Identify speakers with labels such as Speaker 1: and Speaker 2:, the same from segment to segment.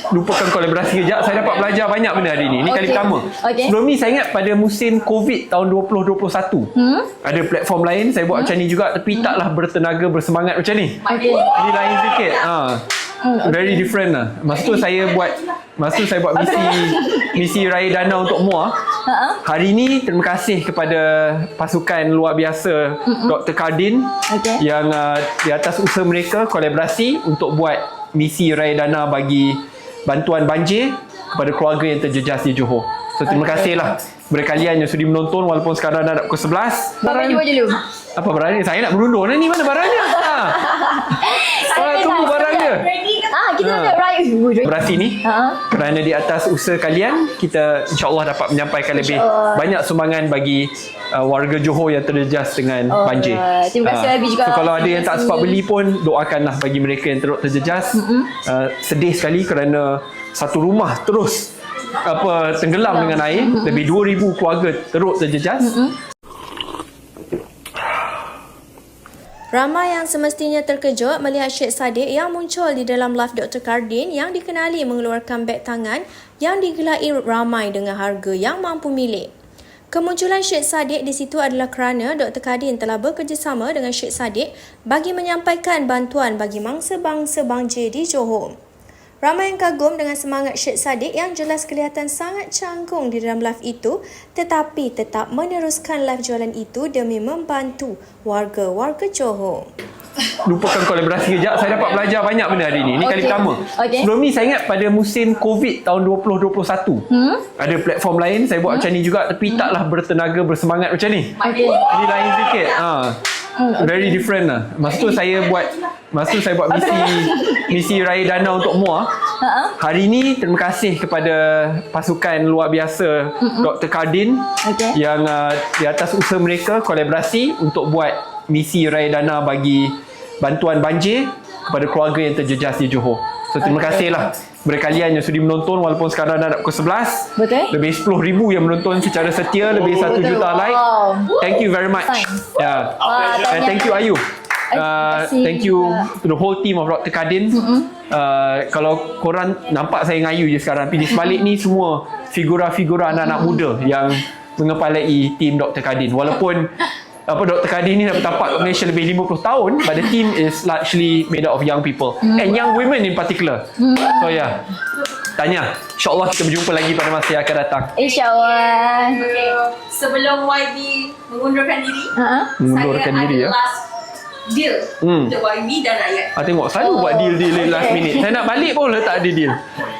Speaker 1: lupakan kolaborasi kejap. Saya dapat belajar banyak benda hari ni. Ini kali pertama. Sebelum ni saya ingat pada musim COVID tahun 2021. Ada platform lain saya buat macam ni juga, tapi taklah bertenaga, bersemangat macam ni. Ini lain sikit. Very different lah. Masa tu saya buat misi Raya Dana untuk MUA. Hari ni terima kasih kepada pasukan luar biasa Dr. Kardin yang di atas usaha mereka kolaborasi untuk buat misi Raya Dana bagi bantuan banjir kepada keluarga yang terjejas di Johor. So terima kasih lah kepada kalian yang sudi menonton walaupun sekarang dah pukul 11.
Speaker 2: Barang jual dulu.
Speaker 1: Apa barangnya? Saya nak berundur ni, mana barangnya? Tunggu barangnya.
Speaker 2: Kita nak raya
Speaker 1: Berasi ni kerana di atas usaha kalian kita insyaAllah dapat menyampaikan lebih banyak sumbangan bagi warga Johor yang terjejas dengan banjir.
Speaker 2: Terima kasih Abi juga.
Speaker 1: So, kalau ada yang tak sempat beli pun doakanlah bagi mereka yang teruk terjejas. Sedih sekali kerana satu rumah terus tenggelam dengan air. Lebih 2,000 keluarga teruk terjejas.
Speaker 3: Ramai yang semestinya terkejut melihat Syed Saddiq yang muncul di dalam live Dr. Kardin yang dikenali mengeluarkan beg tangan yang digelai ramai dengan harga yang mampu milik. Kemunculan Syed Saddiq di situ adalah kerana Dr. Kardin telah bekerjasama dengan Syed Saddiq bagi menyampaikan bantuan bagi mangsa-mangsa banjir di Johor. Ramai yang kagum dengan semangat Syed Saddiq yang jelas kelihatan sangat canggung di dalam live itu, tetapi tetap meneruskan live jualan itu demi membantu warga-warga Johor.
Speaker 1: Lupakan kolaborasi kejap. Saya dapat belajar banyak benda hari ni. Ini kali pertama. Sebelum ni saya ingat pada musim COVID tahun 2021. Ada platform lain saya buat macam ni juga, tapi taklah bertenaga, bersemangat macam ni. Ini lain sikit. Very different lah. Masa tu saya buat misi Raya Dana untuk MUA. Hari ni terima kasih kepada pasukan luar biasa Dr. Kardin yang di atas usaha mereka kolaborasi untuk buat misi Raya Dana bagi bantuan banjir kepada keluarga yang terjejas di Johor. So terima kasih lah kepada kalian yang sudi menonton walaupun sekarang dah pukul 11. Lebih 10,000 yang menonton secara setia, lebih 1 juta like. Thank you very much. And thank you Ayu. Thank you to the whole team of Dr. Kardin. Kalau korang nampak saya dengan Ayu je sekarang, tapi di sebalik ni semua figura-figura anak-anak muda yang mengepalai tim Dr. Kardin. Walaupun Dr. Kardin ni dah bertapak kat Malaysia lebih 50 tahun, but the team is largely made up of young people and young women in particular. So Tanya, insyaAllah kita berjumpa lagi pada masa yang akan datang.
Speaker 2: InsyaAllah.
Speaker 4: Sebelum YB mengundurkan diri,
Speaker 1: mengundurkan diri
Speaker 4: ada last deal untuk YB dan rakyat.
Speaker 1: Tengok selalu buat deal last minute. Saya nak balik pun tak ada deal.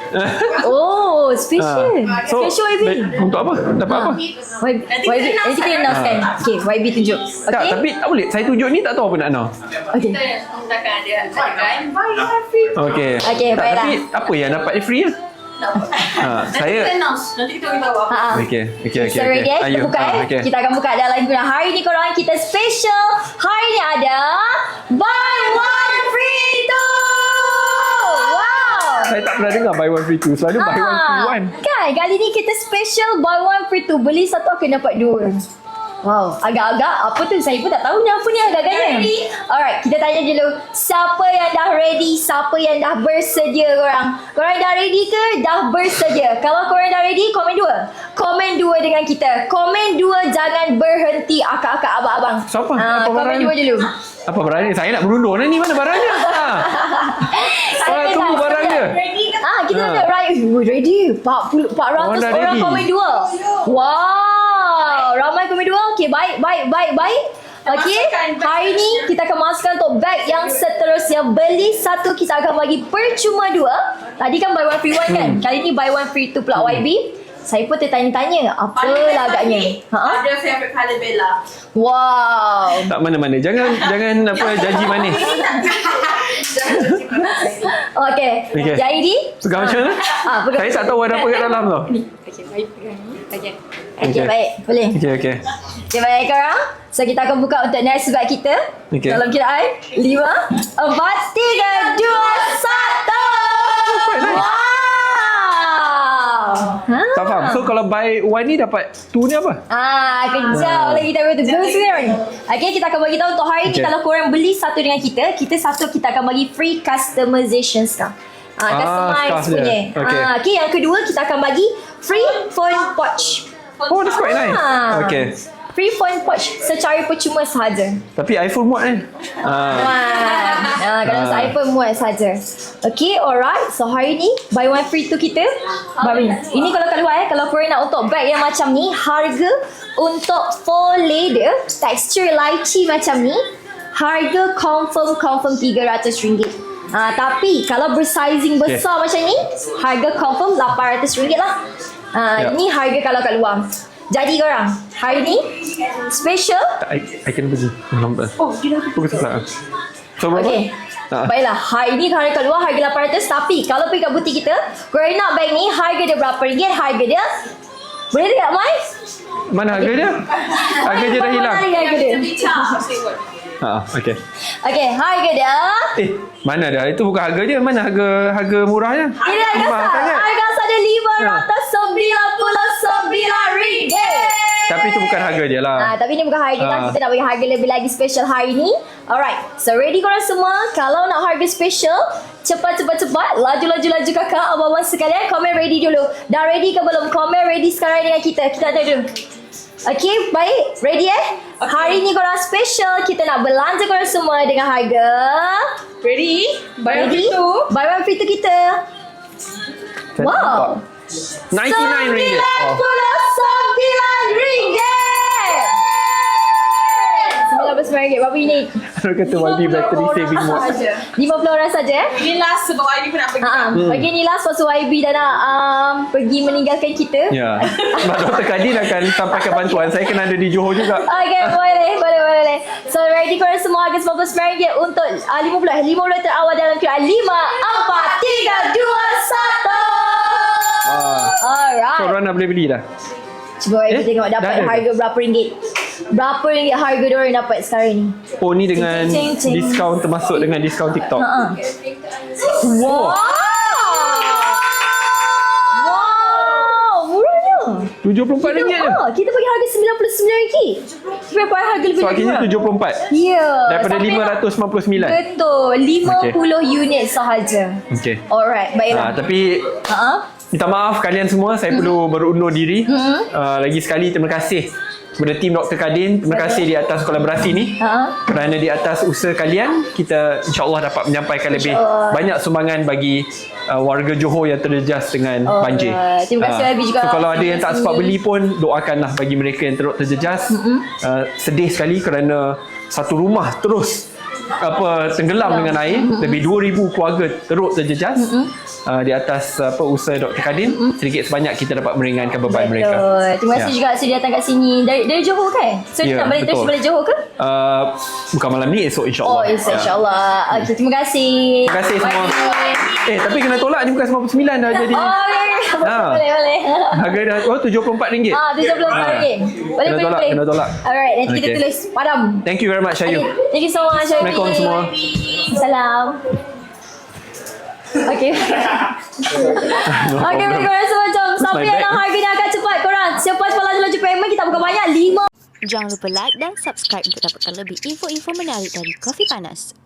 Speaker 2: Special. Special YB.
Speaker 1: Untuk apa? Dapat apa?
Speaker 2: YB. Nanti kita announcekan. Okay, YB tunjuk.
Speaker 1: Tak, tapi tak boleh. Saya tunjuk ni tak tahu apa nak announce.
Speaker 2: Okay.
Speaker 4: Kita takkan ada free.
Speaker 1: Okay,
Speaker 2: baiklah.
Speaker 1: Tapi apa yang dapat free lah?
Speaker 4: Nanti kita announce. Nanti kita beritahu apa.
Speaker 1: Okay.
Speaker 2: So ready kita buka Kita akan buka dalam guna. Hari ni korang kita special. Hari ni ada buy one free two. Wow.
Speaker 1: Saya tak pernah dengar buy one free two. Selalu buy one free one.
Speaker 2: Kan kali ni kita special buy one free two. Beli satu akan dapat dua. Wow, agak-agak apa tu? Saya pun tak tahu ni apa ni agak-agaknya. Alright, kita tanya dulu. Siapa yang dah ready? Siapa yang dah bersedia korang? Korang dah ready ke? Dah bersedia? Kalau korang dah ready, komen 2. Komen 2 dengan kita. Komen 2, jangan berhenti akak-akak abang-abang.
Speaker 1: Siapa? Apa
Speaker 2: komen
Speaker 1: barangnya?
Speaker 2: 2 dulu.
Speaker 1: Apa barangnya? Saya nak berundur ni. Mana barangnya? Tunggu barangnya.
Speaker 2: Kita nak raya. Ready? 400 orang komen 2. Wow, ramai komen 2. Okay, baik. Okay, hari ni kita akan masukkan untuk bag yang seterusnya. Beli satu, kita akan bagi percuma 2. Tadi kan buy one free one kan? Kali ni buy one free 2 pula YB. Saya pun tertanya-tanya apa agaknya.
Speaker 4: Ada favorite colour Bella.
Speaker 2: Wow.
Speaker 1: Tak mana-mana. Jangan janji manis.
Speaker 2: Okay. Jadi
Speaker 1: Pegang macam mana? Saya tak tahu ada apa kat dalam tau.
Speaker 2: Okay, baik pegang ni. Okay, baik. Boleh.
Speaker 1: Okay.
Speaker 2: Okay, baik korang. So, kita akan buka untuk next bag kita. Dalam kiraan 5, 4, 3, 2, 1. Wow.
Speaker 1: Tak faham. So, kalau buy one ni dapat two ni apa?
Speaker 2: Kejap lagi kita beritahu. Blue screen. Okay, kita akan bagi tahu untuk hari ni kalau korang beli satu dengan kita satu kita akan bagi free customization sekarang. Customize
Speaker 1: scarf dia.
Speaker 2: punya.
Speaker 1: Okay.
Speaker 2: Okay, yang kedua kita akan bagi free phone pouch.
Speaker 1: Oh, that's quite nice. Okay.
Speaker 2: Free phone pouch secara percuma sahaja.
Speaker 1: Tapi iPhone muat kan?
Speaker 2: Kalau masa iPhone muat saja. Okay, alright. So hari ni buy one free two kita. Ini kalau kat luar kalau korang nak untuk bag yang macam ni, harga untuk faux leather, tekstur lychee macam ni, harga confirm RM300. Tapi kalau bersizing besar macam ni, harga confirm RM800 lah. Ini harga kalau kat luar. Jadi korang, hari ni special.
Speaker 1: I can pergi. Lambat.
Speaker 2: Oh, dia dah
Speaker 1: Pukul 11. So berapa?
Speaker 2: Okay. Baiklah, hari ni harga kat luar harga RM800. Tapi kalau pergi kat butik kita, korang nak bag ni harga dia berapa ringgit? Harga dia boleh tak Mai?
Speaker 1: Mana harga dia? Harga dia dah hilang.
Speaker 2: Mana harga dia?
Speaker 1: Okay.
Speaker 2: Okay, harga dia.
Speaker 1: Mana dah? Itu bukan harga dia. Mana harga murahnya?
Speaker 2: Ini harga
Speaker 1: Mahal
Speaker 2: sah.
Speaker 1: sangat.
Speaker 2: Harga sah dia RM599.
Speaker 1: Tapi itu bukan harga dia lah.
Speaker 2: Tapi ni bukan harga lah. Kita nak bagi harga lebih lagi special hari ni. Alright. So ready korang semua? Kalau nak harga special, cepat. Laju kakak, abang-abang sekalian. Komen ready dulu. Dah ready ke belum? Komen ready sekarang dengan kita. Kita tanya dulu. Okay, baik. Ready Okay. Hari ni korang special. Kita nak belanja korang semua dengan harga.
Speaker 4: Ready? Bayar
Speaker 2: Ready?
Speaker 4: itu.
Speaker 2: Bayar free tu kita. Wow.
Speaker 1: RM99.
Speaker 2: RM99. RM99. Berapa unit?
Speaker 1: Orang kata YB battery saving mode.
Speaker 2: 50 orang saja.
Speaker 4: Ini last sebab YB pun nak pergi.
Speaker 2: Bagi ni last pasal YB dah nak pergi meninggalkan kita.
Speaker 1: Ya. Sebab Dr. Kadin akan sampaikan bantuan. Saya kena ada di Johor juga.
Speaker 2: Okay, boleh. So ready korang semua harga RM99 untuk 50 terawal dalam QR 5, 4, 3, 2, 1. Alright.
Speaker 1: So, orang dah boleh beli dah?
Speaker 2: Cuba kita tengok dapat
Speaker 1: dah ada.
Speaker 2: harga berapa ringgit. Berapa ringgit harga diorang dapat sekarang ni?
Speaker 1: Oh, ni dengan
Speaker 2: Cing.
Speaker 1: diskaun, termasuk dengan diskaun TikTok.
Speaker 2: Wow. Murahnya.
Speaker 1: RM74 je.
Speaker 2: Kita bagi harga RM99. Kita bagi harga lebih
Speaker 1: So,
Speaker 2: lagi
Speaker 1: akhirnya
Speaker 2: murah.
Speaker 1: RM74.
Speaker 2: Ya.
Speaker 1: Daripada
Speaker 2: sampai
Speaker 1: RM599.
Speaker 2: Betul. 50 unit sahaja.
Speaker 1: Okay.
Speaker 2: Alright, baiklah.
Speaker 1: Tapi minta maaf kalian semua, saya perlu berundur diri. Lagi sekali terima kasih kepada tim Dr. Kadin. Terima kasih di atas kolaborasi ni. Kerana di atas usaha kalian, kita insyaAllah dapat menyampaikan lebih banyak sumbangan bagi warga Johor yang terjejas dengan banjir.
Speaker 2: Terima kasih Abi juga.
Speaker 1: So kalau ada yang tak sempat beli pun, doakanlah bagi mereka yang teruk terjejas. Sedih sekali kerana satu rumah terus tenggelam dengan air. Lebih 2,000 keluarga teruk terjejas. Di atas usaha Dr. Kadin, sedikit sebanyak kita dapat meringankan beban mereka.
Speaker 2: Terima kasih juga sudah datang kat sini dari Johor kan? So
Speaker 1: Ya,
Speaker 2: nak balik terus
Speaker 1: betul.
Speaker 2: balik Johor ke?
Speaker 1: Bukan malam ni, esok insyaAllah.
Speaker 2: Esok insyaAllah. Okay, terima kasih.
Speaker 1: Terima kasih semua. Tapi kena tolak ni, bukan 99 dah jadi.
Speaker 2: Boleh.
Speaker 1: Harga dah RM74.
Speaker 2: RM74. Boleh.
Speaker 1: Kena tolak.
Speaker 2: Alright, nanti kita tulis padam.
Speaker 1: Thank you very much, Ayu.
Speaker 2: Thank you so much, Abi.
Speaker 1: Assalamualaikum semua.
Speaker 2: Salam. Okay. Okay, korang semua jom. Siapa yang nak harga ni akan cepat korang. Cepat laju payment. Kita bukan banyak 5.
Speaker 3: Jangan lupa like dan subscribe untuk dapatkan lebih info-info menarik dari Kopi Panas.